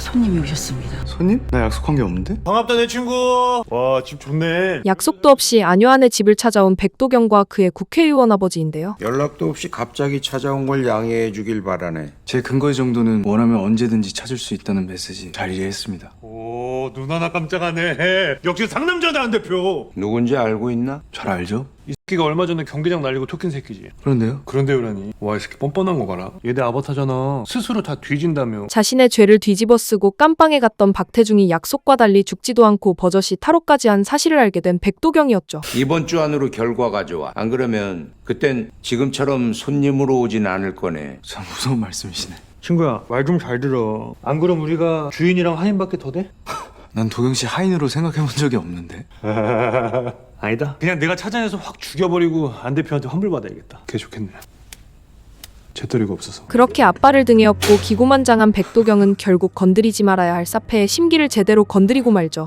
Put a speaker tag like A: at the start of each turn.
A: 손님이 오셨습니다.
B: 손님? 나 약속한 게 없는데?
C: 반갑다 내 친구. 와 집 좋네.
D: 약속도 없이 안효한의 집을 찾아온 백도경과 그의 국회의원 아버지인데요.
E: 연락도 없이 갑자기 찾아온 걸 양해해 주길 바라네.
B: 제 근거 정도는 원하면 언제든지 찾을 수 있다는 메시지 잘 이해했습니다.
C: 오 눈 하나 깜짝하네. 역시 상남자다 안 대표.
E: 누군지 알고 있나?
B: 잘 알죠?
C: 이 새끼가 얼마 전에 경기장 날리고 토낀 새끼지.
B: 그런데요?
C: 그런데요라니. 와 이 새끼 뻔뻔한 거 봐라. 얘네 아바타잖아. 스스로 다 뒤진다며.
D: 자신의 죄를 뒤집어쓰고 깜빵에 갔던 박태중이 약속과 달리 죽지도 않고 버젓이 탈옥까지 한 사실을 알게 된 백도경이었죠.
E: 이번 주 안으로 결과 가져와. 안 그러면 그땐 지금처럼 손님으로 오진 않을 거네.
B: 참 무서운 말씀이시네.
C: 친구야 말 좀 잘 들어. 안 그럼 우리가 주인이랑 하인밖에 더 돼?
B: 난 도경 씨 하인으로 생각해 본 적이 없는데.
C: 아니다. 그냥 내가 찾아내서 확 죽여버리고 안 대표한테 환불받아야겠다. 그게 좋겠네. 재떨이가 없어서.
D: 그렇게 앞발을 등에 업고 기고만장한 백도경은 결국 건드리지 말아야 할 사페의 심기를 제대로 건드리고 말죠.